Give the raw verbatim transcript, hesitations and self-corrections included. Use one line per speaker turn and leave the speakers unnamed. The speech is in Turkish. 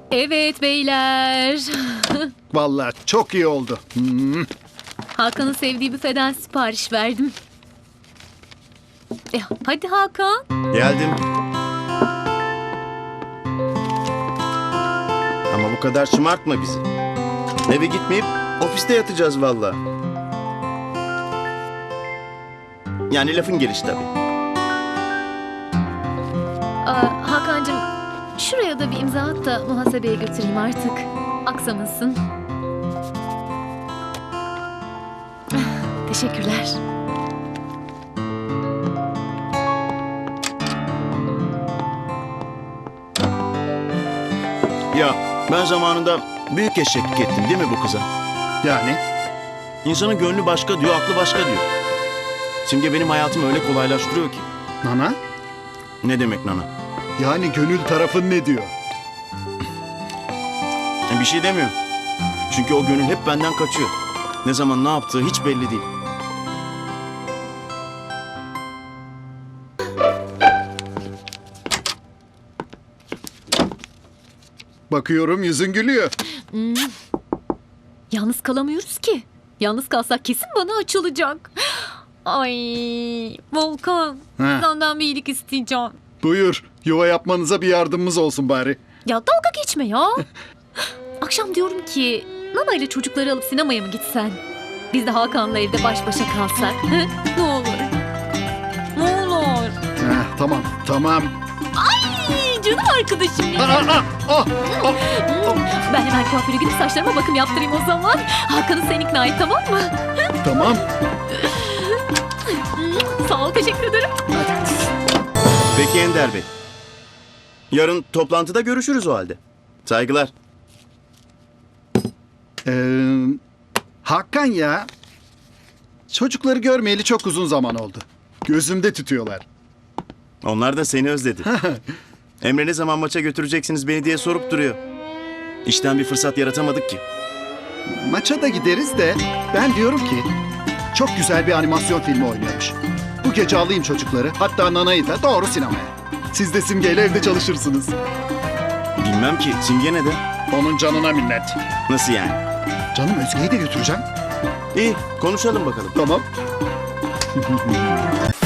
Evet beyler.
Vallahi çok iyi oldu. Hmm.
Hakan'ın sevdiği büfeden sipariş verdim. E, hadi Hakan.
Geldim. Ama bu kadar şımartma bizi. Eve gitmeyip ofiste yatacağız vallahi. Yani lafın gelişi tabii.
Aa, Hakan'cığım şuraya da bir imza at da muhasebeye götüreyim artık. Aksamasın. Teşekkürler.
Ya ben zamanında büyük eşeklik ettim değil mi bu kıza?
Yani
İnsanın gönlü başka diyor, aklı başka diyor. Simge benim hayatımı öyle kolaylaştırıyor ki.
Nana?
Ne demek Nana?
Yani gönül tarafın ne diyor?
Bir şey demiyorum. Çünkü o gönül hep benden kaçıyor. Ne zaman ne yaptığı hiç belli değil.
Bakıyorum yüzün gülüyor.
Yalnız kalamıyoruz ki. Yalnız kalsak kesin bana açılacak. Ay Volkan,
Ha.
senden bir iyilik isteyeceğim.
Buyur. Yuva yapmanıza bir yardımımız olsun bari.
Ya dalga geçme ya. Akşam diyorum ki Nana ile çocukları alıp sinemaya mı gitsen? Biz de Hakan'la evde baş başa kalsak. Hı? Ne olur. Ne olur.
Heh, tamam, tamam.
Ay, canım arkadaşım benim.
Aa, aa, ah, ah.
Ben hemen kuaföre gidip saçlarıma bakım yaptırayım o zaman. Hakan'ı sen ikna et, tamam mı?
Tamam.
Sağ ol, teşekkür ederim.
Peki Ender Bey. Yarın toplantıda görüşürüz o halde. Saygılar.
Ee, Hakan ya. Çocukları görmeyeli çok uzun zaman oldu. Gözümde tütüyorlar.
Onlar da seni özledi. Emre ne zaman maça götüreceksiniz beni diye sorup duruyor. İşten bir fırsat yaratamadık ki.
Maça da gideriz de ben diyorum ki çok güzel bir animasyon filmi oynuyormuş. Bu gece alayım çocukları, hatta Nana'yı da doğru sinemaya. Siz de Simge'yle evde çalışırsınız.
Bilmem ki Simge ne de?
Onun canına minnet.
Nasıl yani?
Canım Özge'yi de götüreceğim.
İyi konuşalım bakalım.
Tamam.